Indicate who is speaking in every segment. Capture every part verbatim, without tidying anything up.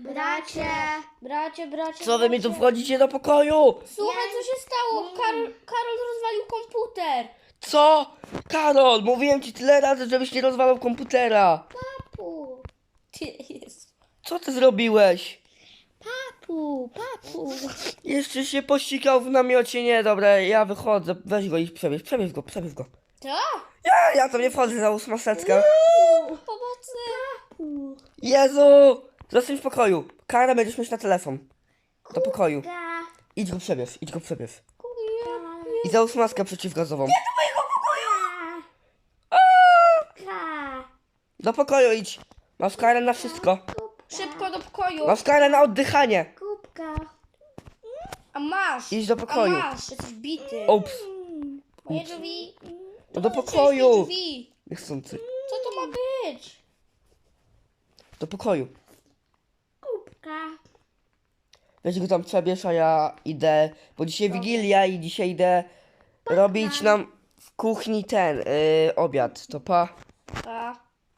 Speaker 1: Bracie, bracie, bracie.
Speaker 2: Co wy mi tu
Speaker 1: bracie.
Speaker 2: wchodzicie do pokoju?
Speaker 1: Słuchaj, co się stało? Karol, Karol rozwalił komputer.
Speaker 2: Co? Karol, mówiłem ci tyle razy, żebyś nie rozwalał komputera.
Speaker 1: Papu. Ty jest.
Speaker 2: Co ty zrobiłeś?
Speaker 1: Papu, papu.
Speaker 2: Jeszcze się pościgał w namiocie. Nie, dobra, ja wychodzę. Weź go i przebierz, przebierz go, przebierz go.
Speaker 1: Co?
Speaker 2: Ja, ja tam nie wchodzę, załóż maseczkę.
Speaker 1: Pomocy. Papu.
Speaker 2: Jezu! Zostań w pokoju. Kara będziesz mieć na telefon. Do pokoju. Idź go przebierz, idź go przebierz. I załóż maskę przeciwgazową. Do pokoju idź. Masz karę na wszystko.
Speaker 1: Szybko do pokoju.
Speaker 2: Masz karę na oddychanie.
Speaker 1: Kubka. A masz.
Speaker 2: Idź do pokoju.
Speaker 1: A masz. Jesteś bity.
Speaker 2: Ups.
Speaker 1: Moje drzwi.
Speaker 2: No do
Speaker 1: Otwórz
Speaker 2: pokoju.
Speaker 1: mi drzwi.
Speaker 2: Niechcący.
Speaker 1: Co to ma być?
Speaker 2: Do pokoju.
Speaker 1: Kubka.
Speaker 2: Weź go tam przebierz, a ja idę. Bo dzisiaj Wigilia i dzisiaj idę robić nam w kuchni ten yy, obiad. To pa.
Speaker 1: A.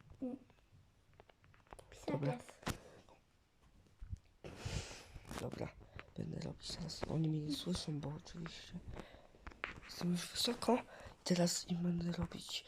Speaker 2: Dobra. Dobra. Będę robić teraz. Oni mnie nie słyszą, bo oczywiście jestem już wysoko. I teraz im będę robić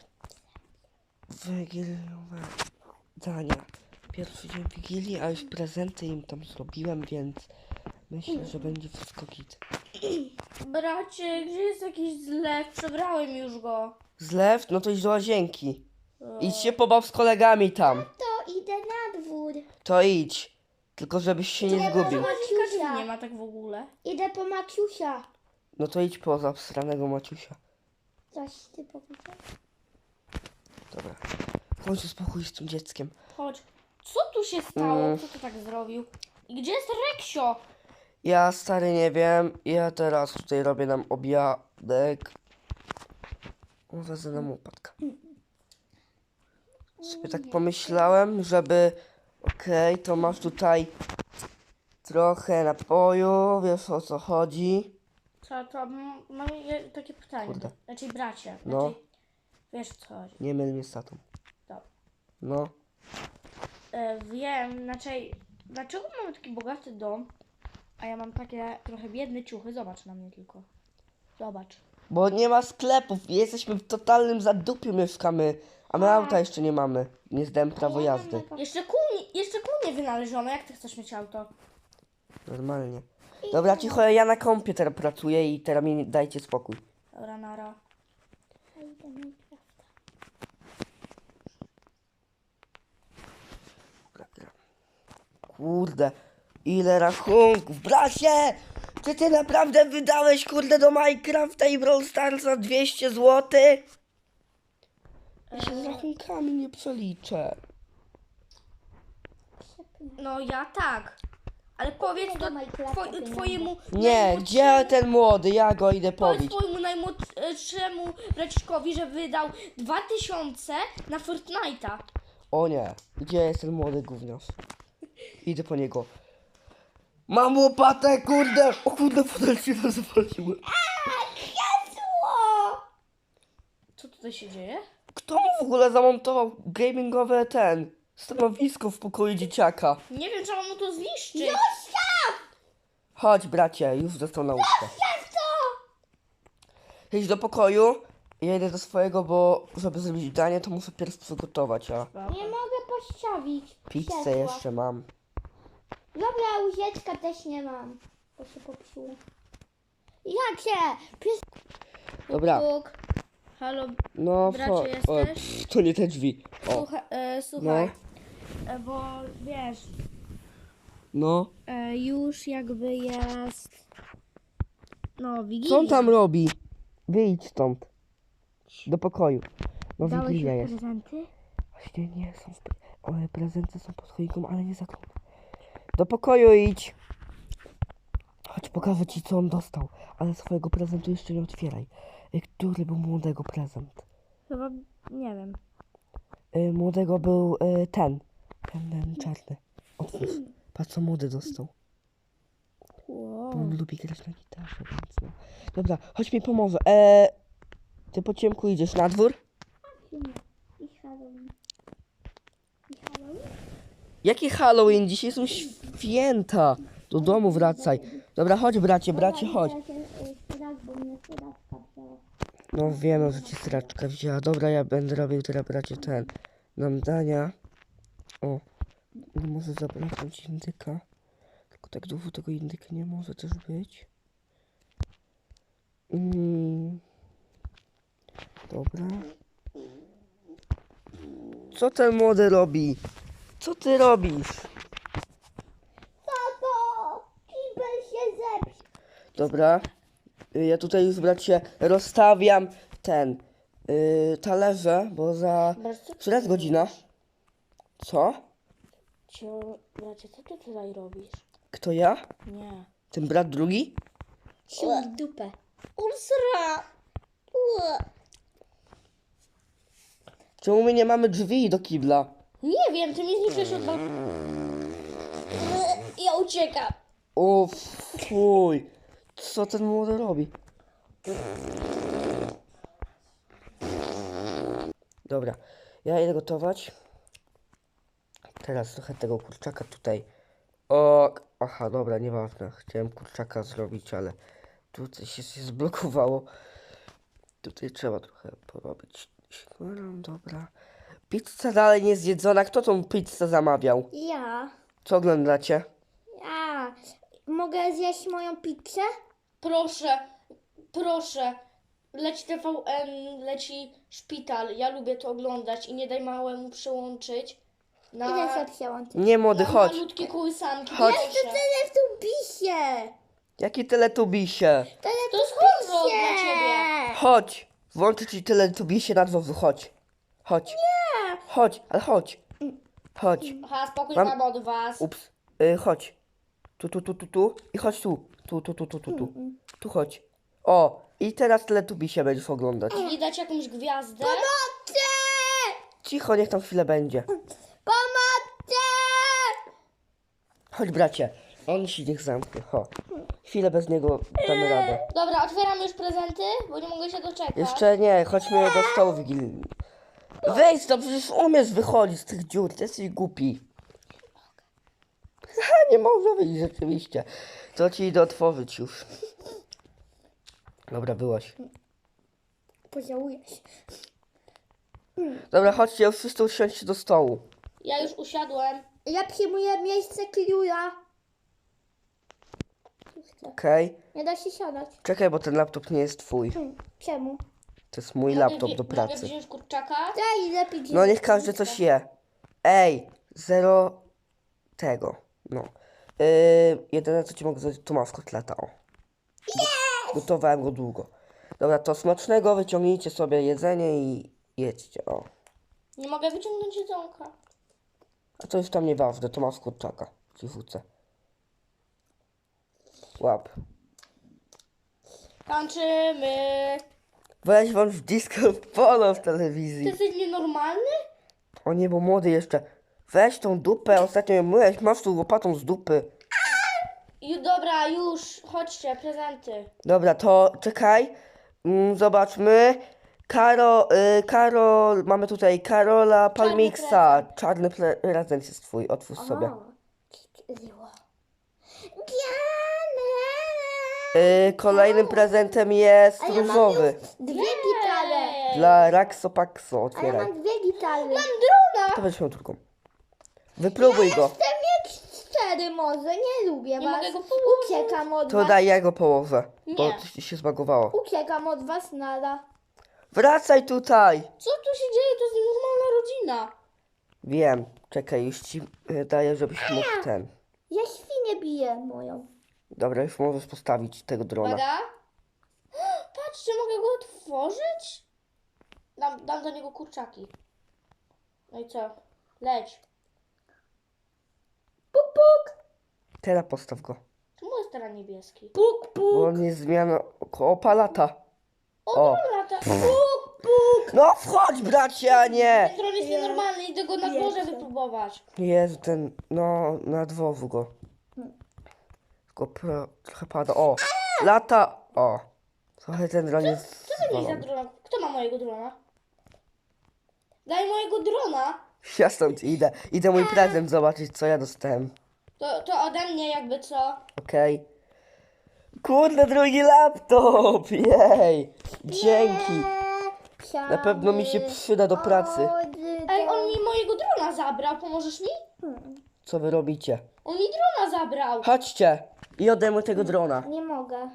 Speaker 2: wigiliowe dania. Pierwszy dzień Wigilii, a już prezenty im tam zrobiłem, więc myślę, że będzie wszystko git.
Speaker 1: Bracie, gdzie jest jakiś zlew? Przebrałem już go.
Speaker 2: Zlew? No to idź do łazienki. Idź się pobaw z kolegami tam.
Speaker 3: To idę na dwór.
Speaker 2: To idź. Tylko żebyś się nie zgubił.
Speaker 1: Maciusia nie ma tak w ogóle.
Speaker 3: Idę po Maciusia.
Speaker 2: No to idź po zasranego Maciusia.
Speaker 3: Coś ty powiedział?
Speaker 2: Dobra. W końcu spokój z tym dzieckiem.
Speaker 1: Chodź. Co tu się stało?
Speaker 2: Mm.
Speaker 1: Kto to tak zrobił? I gdzie jest Reksio?
Speaker 2: Ja stary nie wiem. Ja teraz tutaj robię nam obiadek. Wezmę nam upadka. Sobie tak pomyślałem, żeby... Okej, to masz tutaj trochę napoju. Wiesz o co chodzi.
Speaker 1: Co to? M- Mam je- takie pytanie.
Speaker 2: Kurde.
Speaker 1: Raczej bracie.
Speaker 2: No.
Speaker 1: Raczej... Wiesz o co chodzi.
Speaker 2: Nie myl mnie z tatą.
Speaker 1: Dobra.
Speaker 2: No.
Speaker 1: E, wiem, znaczy... Dlaczego mamy taki bogaty dom, a ja mam takie trochę biedne ciuchy? Zobacz na mnie tylko. Zobacz.
Speaker 2: Bo nie ma sklepów. Jesteśmy w totalnym zadupiu mieszkamy. A my auta jeszcze nie mamy. Nie zdałem prawo jazdy.
Speaker 1: Jeszcze kół, nie- jeszcze kół nie wynaleziono. Jak ty chcesz mieć auto?
Speaker 2: Normalnie. Dobra, cicho, ja na kompie teraz pracuję i teraz mi dajcie spokój.
Speaker 1: Dobra, nara.
Speaker 3: A idę Minecrafta.
Speaker 2: Kurde, ile rachunków. Bracie! Czy ty naprawdę wydałeś, kurde, do Minecrafta i Brawl Starsa dwieście złotych? Ja się z rachunkami nie przeliczę.
Speaker 1: No ja tak. Ale powiedz to
Speaker 3: do Minecrafta
Speaker 1: two,
Speaker 3: pieniądze.
Speaker 1: twojemu
Speaker 2: Nie, gdzie ten młody? Ja go idę
Speaker 1: Powiedz
Speaker 2: pobić.
Speaker 1: twojemu najmłodszemu braciszkowi, że wydał dwa tysiące na Fortnite'a.
Speaker 2: O nie, gdzie jest ten młody gówniarz? Idę po niego. Mam łopatę, kurde! O kurde, fotel się rozwaliły.
Speaker 1: Co tutaj się dzieje?
Speaker 2: Kto mu w ogóle zamontował gamingowe ten stanowisko w pokoju dzieciaka?
Speaker 1: Nie wiem, trzeba mu to zniszczyć.
Speaker 2: Chodź, bracie, już dostał nauczkę. Idź do pokoju. Ja idę do swojego, bo żeby zrobić danie, to muszę pierw przygotować, a
Speaker 3: Nie mogę postawić.
Speaker 2: pizzę
Speaker 3: krzesła.
Speaker 2: jeszcze mam.
Speaker 3: Dobra, łyżeczka też nie mam. Bo się popsuło. Jakie? Pies...
Speaker 2: Dobra,
Speaker 1: Bóg. Halo,
Speaker 2: no
Speaker 1: bracie,
Speaker 2: o,
Speaker 1: jesteś?
Speaker 2: pff, to nie te drzwi. O,
Speaker 1: słuchaj, e, słuchaj. E, bo wiesz,
Speaker 2: no.
Speaker 1: e, już jakby jest... No, Wigilia.
Speaker 2: Co on tam robi? Wyjdź stąd. Do pokoju. No
Speaker 1: Dałeś
Speaker 2: Wigilia
Speaker 1: już
Speaker 2: jest.
Speaker 1: prezenty?
Speaker 2: Właśnie nie są. w pre- O, prezenty są pod choinką, ale nie za trudno. Do pokoju idź. Chodź, pokażę ci, co on dostał. Ale swojego prezentu jeszcze nie otwieraj. Y, Który był młodego prezent?
Speaker 1: Chyba, nie wiem.
Speaker 2: Y, młodego był y, ten. Ten, ten czarny. Otwórz. Patrz, co młody dostał. Bo on lubi grać na gitarze, więc no. Dobra, chodź mi pomoże. E, ty po ciemku idziesz na dwór?
Speaker 3: I Halloween. I Halloween.
Speaker 2: Jaki Halloween? Dzisiaj są święta. Do domu wracaj. Dobra, chodź bracie, bracie, chodź.
Speaker 3: Raz, bo mnie straczka wzięła.
Speaker 2: No wiem, że ci straczka wzięła. Dobra, ja będę robił teraz bracie ten. Nam dania. O. Nie może zabraknąć indyka. Tylko tak długo tego indyka nie może też być. Mm. Dobra. Co ten młody robi? Co ty robisz?
Speaker 3: Tato! Kibel się zepsuł.
Speaker 2: Dobra. Y, Ja tutaj już bracie rozstawiam ten yy, talerze, bo za...
Speaker 1: Bracie, co ty
Speaker 2: Która jest godzina? Co?
Speaker 1: Cio, bracie, co ty tutaj robisz?
Speaker 2: Kto ja?
Speaker 1: Nie.
Speaker 2: Ten brat drugi?
Speaker 3: Sił w dupę.
Speaker 1: Ulsra!
Speaker 2: Czemu my nie mamy drzwi do kibla?
Speaker 1: Nie wiem, ty mi zniszczysz od... Ja uciekam.
Speaker 2: O fuj. Co ten młody robi? Dobra, ja idę gotować. Teraz trochę tego kurczaka tutaj. O, aha, dobra, nieważne. Chciałem kurczaka zrobić, ale tutaj się, się zblokowało. Tutaj trzeba trochę porobić. Dobra. Pizza dalej nie zjedzona. Kto tą pizzę zamawiał?
Speaker 3: Ja.
Speaker 2: Co oglądacie?
Speaker 3: Ja. Mogę zjeść moją pizzę?
Speaker 1: Proszę, proszę. Leci T V N, leci szpital. Ja lubię to oglądać i nie daj małemu przełączyć na,
Speaker 3: Idę sobie przełączyć.
Speaker 2: Nie, młody,
Speaker 1: na
Speaker 2: chodź.
Speaker 1: malutkie kołysanki.
Speaker 2: Chodź.
Speaker 1: Proszę.
Speaker 3: Tyle w tu bisie.
Speaker 2: Jaki teletubisie?
Speaker 3: Tyle
Speaker 1: To jest horror dla ciebie.
Speaker 2: Chodź. Włączę ci teletubisie na dworzu, chodź. Chodź. Nie. Chodź, ale chodź. Chodź.
Speaker 1: Aha, spokój
Speaker 2: Mam-
Speaker 1: mam od was.
Speaker 2: Ups. Y, chodź. Tu, tu, tu, tu, tu. I chodź tu. Tu, tu, tu, tu, tu, tu. Tu chodź. O. I teraz teletubisie będziesz oglądać.
Speaker 1: I dać jakąś gwiazdę.
Speaker 3: Pomocy!
Speaker 2: Cicho, niech tam chwilę będzie.
Speaker 3: Pomocy!
Speaker 2: Chodź, bracie. On się niech zamknie. Ho. Chwilę bez niego damy radę.
Speaker 1: Dobra, otwieram już prezenty, bo nie mogę się doczekać.
Speaker 2: Jeszcze nie, chodźmy do stołu wigilijnego. Wejdź, to przecież umiesz wychodzić z tych dziur, ty jesteś głupi. Ha, nie można wyjść rzeczywiście. To ci idę otworzyć już. Dobra, byłaś.
Speaker 3: Pożałujesz.
Speaker 2: Dobra, chodźcie, już wszyscy usiądźcie do stołu.
Speaker 1: Ja już usiadłem.
Speaker 3: Ja przyjmuję miejsce Kliuja.
Speaker 2: Okej?
Speaker 3: Nie da się siadać.
Speaker 2: Czekaj, bo ten laptop nie jest twój.
Speaker 3: Hmm. Czemu?
Speaker 2: To jest mój
Speaker 1: Mogę
Speaker 2: laptop
Speaker 1: wzi-
Speaker 2: do
Speaker 1: Mogę
Speaker 2: pracy.
Speaker 1: wziąć kurczaka?
Speaker 3: Daj lepiej.
Speaker 2: No niech każdy coś je. Ej, zero tego. No. Yy, jedyne co ci mogę zrobić, to masz kotleta, o. Gotowałem go długo. Dobra, to smacznego, wyciągnijcie sobie jedzenie i jedźcie, o.
Speaker 1: Nie mogę wyciągnąć jedzonka.
Speaker 2: A to już tam nieważne, to masz kurczaka. Ci wrócę. Łap.
Speaker 1: Tańczymy.
Speaker 2: Weź włącz disco polo w
Speaker 1: Ty
Speaker 2: telewizji.
Speaker 1: jesteś nienormalny?
Speaker 2: O nie, bo młody jeszcze. Weź tą dupę, ostatnio ją myłeś, masz tu łopatą z dupy.
Speaker 1: Ju, dobra, już. Chodźcie, prezenty.
Speaker 2: Dobra, to czekaj. Mm, zobaczmy. Karo, y, Karol, mamy tutaj Karola Palmixa. Czarny pre- prezent jest twój, otwórz sobie.
Speaker 3: Zło.
Speaker 2: Y, kolejnym prezentem jest
Speaker 3: A ja mam
Speaker 2: różowy.
Speaker 3: Dwie gitary.
Speaker 1: Ej,
Speaker 2: Dla Raxo Paxo,
Speaker 3: A ja
Speaker 2: otwieraj.
Speaker 3: mam dwie gitary.
Speaker 1: drona.
Speaker 2: To będziesz miał drugą. Wypróbuj go.
Speaker 3: Chcę mieć cztery może, nie lubię
Speaker 1: Nie
Speaker 3: was.
Speaker 1: mogę go położyć.
Speaker 3: Uciekam od
Speaker 2: To
Speaker 3: was.
Speaker 2: daj, ja go położę. Bo
Speaker 1: Nie.
Speaker 2: ci się zbagowało.
Speaker 3: Uciekam od was, nada.
Speaker 2: Wracaj tutaj.
Speaker 1: Co tu się dzieje? To jest normalna rodzina.
Speaker 2: Wiem, czekaj, już ci y, daję, żebyś mógł ten.
Speaker 3: Ja świnię biję moją.
Speaker 2: Dobra, już możesz postawić tego drona.
Speaker 1: Uwaga. Patrzcie, mogę go otworzyć? Dam, dam do niego kurczaki. No i co? Leć.
Speaker 3: Puk, puk.
Speaker 2: Teraz postaw go.
Speaker 1: Czemu jest teraz niebieski?
Speaker 3: Puk, puk.
Speaker 2: Bo on jest zmiana około palata.
Speaker 1: O,
Speaker 2: O.
Speaker 1: dron lata.
Speaker 3: Puk, puk.
Speaker 2: No wchodź, bracie, a nie!
Speaker 1: Ten dron jest nienormalny, idę go na
Speaker 3: Nie
Speaker 1: dworze
Speaker 3: chcę.
Speaker 1: wypróbować.
Speaker 2: Jezu, ten, no, na dworzu go. Tylko pro, trochę pada. O, lata. O, trochę ten dron jest
Speaker 1: Co to jest za
Speaker 2: zwalony.
Speaker 1: drona? Kto ma mojego drona? Daj mojego drona.
Speaker 2: Ja stąd idę. Idę mój prezent zobaczyć, co ja dostałem.
Speaker 1: To, to ode mnie jakby co?
Speaker 2: Okej. Kurde, drugi laptop! Jej! Dzięki! Na pewno mi się przyda do pracy.
Speaker 1: Ej, on mi mojego drona zabrał, pomożesz mi?
Speaker 2: Co wy robicie?
Speaker 1: On mi drona zabrał.
Speaker 2: Chodźcie i oddajmy tego drona.
Speaker 3: Nie mogę.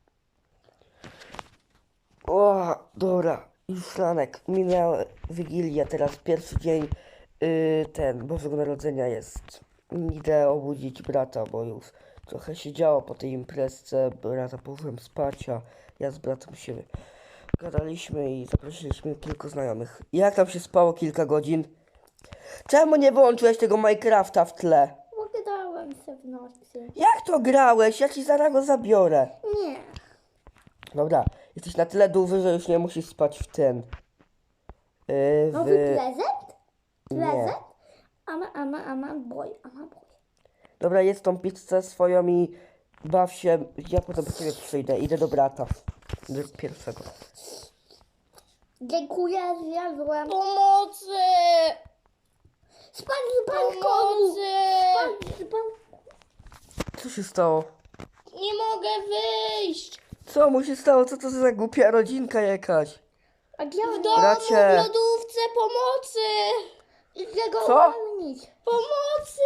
Speaker 2: O, dobra. Już ranek. Minęła Wigilia, teraz pierwszy dzień yy, ten, Bożego Narodzenia jest. Idę obudzić brata, bo już trochę się działo po tej imprezce. Brata położyłem spać, a ja z bratem się gadaliśmy i zaprosiliśmy kilku znajomych. Jak tam się spało kilka godzin? Czemu nie wyłączyłeś tego Minecrafta w tle?
Speaker 3: Bo grałem się w nocy.
Speaker 2: Jak to grałeś? Ja ci zaraz go zabiorę.
Speaker 3: Nie.
Speaker 2: Dobra, jesteś na tyle duży, że już nie musisz spać w ten. Yy,
Speaker 3: Nowy
Speaker 2: w...
Speaker 3: prezent?
Speaker 2: Nie.
Speaker 3: Prezent? Ama, ama, ama, boy, ama, boy.
Speaker 2: Dobra, jest tą pizzę swoją i baw się. Ja potem po ciebie przyjdę. Idę do brata. Do pierwszego.
Speaker 3: Dziękuję, zjadłem.
Speaker 1: Pomocy!
Speaker 3: Spadł z balkonu.
Speaker 1: Pomocy!
Speaker 3: Spadł z balkonu.
Speaker 2: Co się stało?
Speaker 1: Nie mogę wyjść.
Speaker 2: Co mu się stało? Co to za głupia rodzinka jakaś?
Speaker 3: A gdzie on
Speaker 1: W domu,
Speaker 2: Bracie.
Speaker 1: w lodówce, pomocy!
Speaker 3: Idę go
Speaker 2: Co?
Speaker 3: uwolnić.
Speaker 1: Pomocy!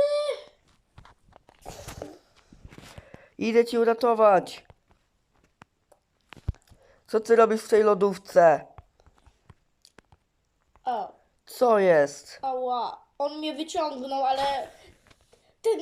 Speaker 2: Idę ci uratować. Co ty robisz w tej lodówce?
Speaker 1: O,
Speaker 2: Co jest?
Speaker 1: ała. On mnie wyciągnął, ale ten...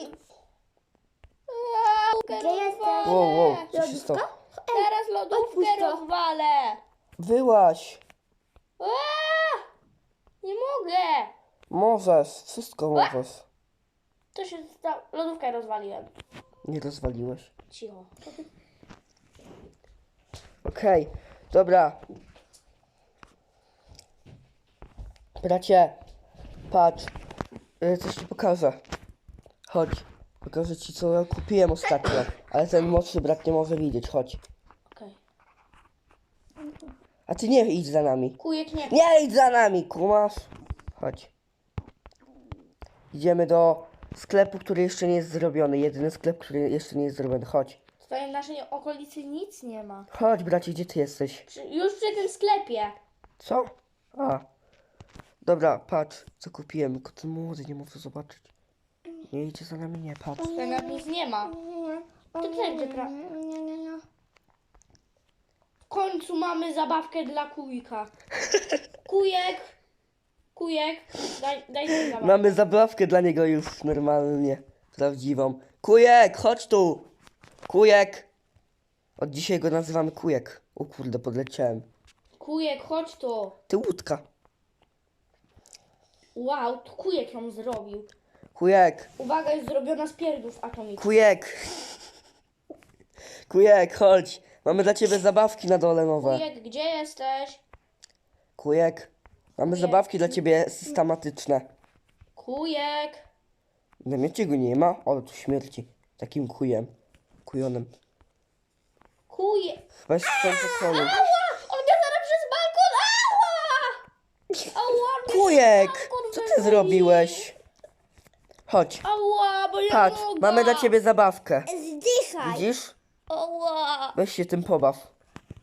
Speaker 1: Eee,
Speaker 3: Gdzie jesteś?
Speaker 2: Wow, wow, co się
Speaker 3: Lodówka?
Speaker 2: stało?
Speaker 1: Teraz lodówkę
Speaker 3: Odpuść to.
Speaker 1: rozwalę.
Speaker 2: Wyłaś.
Speaker 1: Eee, nie mogę.
Speaker 2: Możesz, wszystko możesz.
Speaker 1: To się stało. Lodówkę rozwaliłem.
Speaker 2: Nie rozwaliłeś.
Speaker 1: Cicho.
Speaker 2: Okej, dobra. Bracie, patrz. Y, Coś ci pokażę. Chodź. Pokażę ci, co ja kupiłem ostatnio. Ale ten młodszy brat nie może widzieć. Chodź.
Speaker 1: Okej.
Speaker 2: A ty nie idź za nami.
Speaker 1: Kujek nie.
Speaker 2: Nie idź za nami, kumasz? Chodź. Idziemy do sklepu, który jeszcze nie jest zrobiony. Jedyny sklep, który jeszcze nie jest zrobiony. Chodź.
Speaker 1: Tutaj w naszej okolicy nic nie ma.
Speaker 2: Chodź, bracie, gdzie ty jesteś?
Speaker 1: Przy, już przy tym sklepie.
Speaker 2: Co? A. Dobra, patrz, co kupiłem. Tylko ten młody nie może zobaczyć. Nie idzie za nami, nie, patrz.
Speaker 1: Tutaj nawet nic nie ma. To wszędzie pra...
Speaker 3: Nie, nie, nie.
Speaker 1: W końcu mamy zabawkę dla kujka. Kujek. Kujek. Daj, daj mi zabawkę.
Speaker 2: Mamy zabawkę dla niego już normalnie. Prawdziwą. Kujek, chodź tu! Kujek! Od dzisiaj go nazywamy Kujek. O kurde, podleciałem.
Speaker 1: Kujek, chodź tu.
Speaker 2: Ty łódka.
Speaker 1: Wow, to kujek ją zrobił.
Speaker 2: Kujek,
Speaker 1: Uwaga, jest zrobiona z pierdów atomicznych.
Speaker 2: kujek. Kujek, chodź. Mamy dla ciebie zabawki na dole nowe.
Speaker 1: Kujek, gdzie jesteś?
Speaker 2: Kujek. Mamy
Speaker 1: Kujek.
Speaker 2: zabawki dla ciebie systematyczne.
Speaker 1: Kujek.
Speaker 2: Na miecie go nie ma, ale tu śmierci. Takim kujem. Kujonem.
Speaker 1: Kujek.
Speaker 2: Weź w tym pokoju.
Speaker 1: Ała! On mnie zaraz przez balkon! Ała! Ała! mnie
Speaker 2: Kujek!
Speaker 1: przez balkon
Speaker 2: Co ty
Speaker 1: wyrzucił.
Speaker 2: zrobiłeś? Chodź.
Speaker 1: Ała, bo ja
Speaker 2: Patrz,
Speaker 1: mogę.
Speaker 2: mamy dla ciebie zabawkę.
Speaker 3: Zdychaj.
Speaker 2: Widzisz?
Speaker 1: Ała!
Speaker 2: Weź się tym pobaw.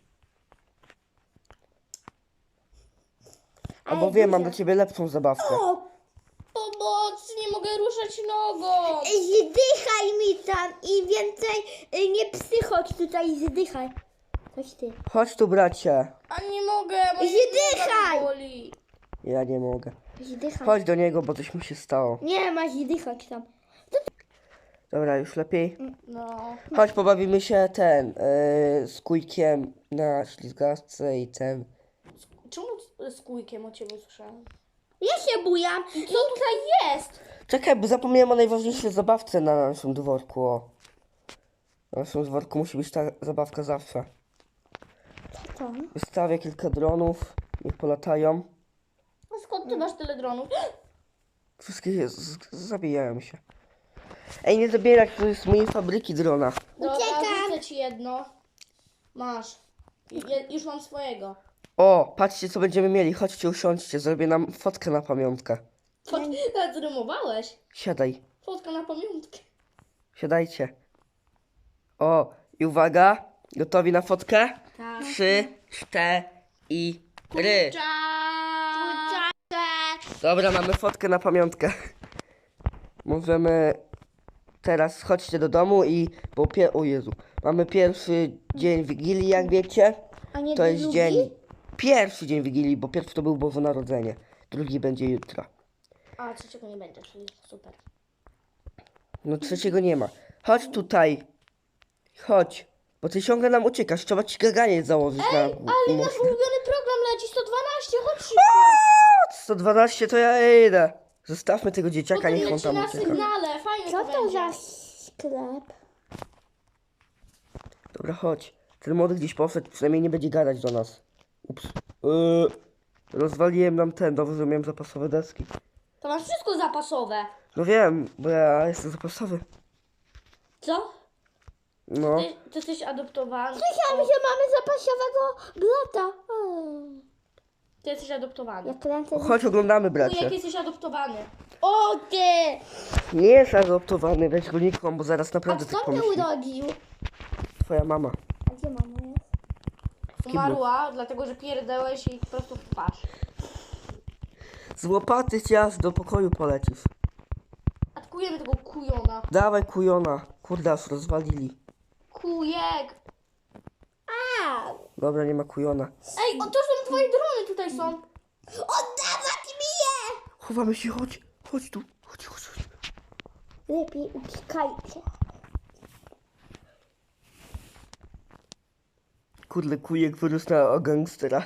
Speaker 2: Albo
Speaker 3: Ale
Speaker 2: wiem, mam
Speaker 3: duża.
Speaker 2: dla ciebie lepszą zabawkę.
Speaker 3: O,
Speaker 1: Pomocy, nie mogę ruszać nogą.
Speaker 3: zdychaj mi tam i więcej y, nie psychodź tutaj, zdychaj. Chodź ty.
Speaker 2: Chodź tu, bracie.
Speaker 1: A nie mogę, moja
Speaker 3: Zdychaj!
Speaker 1: noga boli.
Speaker 2: Ja nie mogę.
Speaker 3: Zdychaj.
Speaker 2: Chodź do niego, bo coś mu się stało.
Speaker 3: Nie ma zdychać tam.
Speaker 2: Dobra, już lepiej.
Speaker 1: No.
Speaker 2: Chodź, pobawimy się ten, yy, z kujkiem na ślizgawce i ten.
Speaker 1: Czemu z- z kujkiem o ciebie słyszałem?
Speaker 3: Ja się bujam.
Speaker 1: Co tutaj jest?
Speaker 2: Czekaj, bo zapomniałem o najważniejszej zabawce na naszym dworku. O. Na naszym dworku musi być ta zabawka zawsze.
Speaker 3: Co?
Speaker 2: Wystawię kilka dronów, niech polatają.
Speaker 1: A skąd ty masz tyle dronów?
Speaker 2: Wszystkie z- z- zabijają się. Ej, nie zabierać, to jest z mojej fabryki drona.
Speaker 1: Dobra,
Speaker 3: Uciekam.
Speaker 1: rzucę ci jedno. Masz. Je, już mam swojego.
Speaker 2: O, patrzcie co będziemy mieli, chodźcie usiądźcie, zrobię nam fotkę na pamiątkę.
Speaker 1: Fot... Nawet zrymowałeś.
Speaker 2: Siadaj.
Speaker 1: Fotka na pamiątkę.
Speaker 2: Siadajcie. O, i uwaga. Gotowi na fotkę?
Speaker 1: Tak.
Speaker 2: Trzy, cztery.
Speaker 1: Kurczak.
Speaker 2: Dobra, mamy fotkę na pamiątkę. Możemy teraz chodźcie do domu i bo pie... o Jezu. Mamy pierwszy dzień Wigilii, jak wiecie.
Speaker 3: A nie
Speaker 2: To jest
Speaker 3: drugi?
Speaker 2: dzień. Pierwszy dzień Wigilii, bo pierwszy to był Boże Narodzenie. Drugi będzie jutro.
Speaker 1: A trzeciego nie będzie, czyli super.
Speaker 2: No trzeciego nie ma. Chodź tutaj. Chodź. Bo ty ciągle nam uciekasz. Trzeba ci gaganiec założyć na
Speaker 1: Ale nasz
Speaker 2: uszy.
Speaker 1: ulubiony program leci sto dwanaście, chodź szybko.
Speaker 2: sto dwanaście to ja idę. Zostawmy tego dzieciaka,
Speaker 1: Potem
Speaker 2: niech on
Speaker 1: leci
Speaker 2: tam
Speaker 1: na
Speaker 2: ucieka.
Speaker 1: sygnale, fajnie
Speaker 3: Co
Speaker 1: to
Speaker 3: to
Speaker 1: będzie.
Speaker 3: za sklep?
Speaker 2: Dobra, chodź. Ten młody gdzieś poszedł, przynajmniej nie będzie gadać do nas. Ups. Yy, rozwaliłem nam ten, dobrze, że miałem zapasowe deski.
Speaker 1: To masz wszystko zapasowe.
Speaker 2: No wiem, bo ja jestem zapasowy.
Speaker 1: Co?
Speaker 2: No.
Speaker 1: Ty, ty jesteś adoptowany.
Speaker 3: Myślałam, że mamy zapasiowego blata. Hmm.
Speaker 1: Ty jesteś adoptowany.
Speaker 3: Ja kręcę.
Speaker 2: Chodź, oglądamy,
Speaker 1: Wujek,
Speaker 2: bracie.
Speaker 1: jesteś adoptowany. O ty!
Speaker 2: Nie jest adoptowany, weź go nikłam, bo zaraz
Speaker 3: A
Speaker 2: naprawdę tak
Speaker 3: kto mnie
Speaker 2: pomyśli.
Speaker 3: urodził?
Speaker 2: Twoja mama.
Speaker 3: A gdzie mama jest?
Speaker 1: Umarła, dlatego że pierdałeś jej po prostu w twarz.
Speaker 2: Z łopaty ciast do pokoju polecisz.
Speaker 1: Atakujemy tego kujona.
Speaker 2: Dawaj kujona. Kurde, aż rozwalili.
Speaker 1: Kujek!
Speaker 3: A!
Speaker 2: Dobra, nie ma kujona.
Speaker 1: Ej, o, to są twoje drony tutaj są.
Speaker 3: Oddawać mi je!
Speaker 2: Chowamy się, chodź. Chodź tu. Chodź, chodź, chodź.
Speaker 3: Lepiej uciekajcie.
Speaker 2: Kurde, kujek wyrósł na gangstera.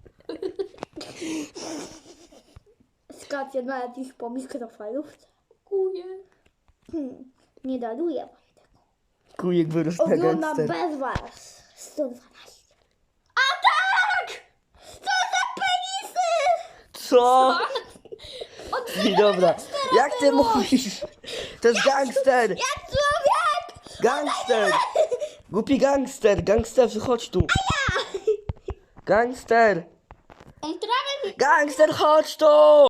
Speaker 3: Skacie nawet już po mikrofalówce.
Speaker 1: Kujek.
Speaker 3: Hmm. Nie daruję wam tego.
Speaker 2: Kujek wyrósł na
Speaker 3: Oglądam
Speaker 2: gangstera.
Speaker 3: bez was. sto dwanaście.
Speaker 2: Co? I dobra. Jak ty mówisz? To jest gangster.
Speaker 3: Jak człowiek!
Speaker 2: Gangster. Głupi gangster. Gangsterzy, chodź tu. Gangster.
Speaker 1: On trawę mi...
Speaker 2: Gangster, chodź tu.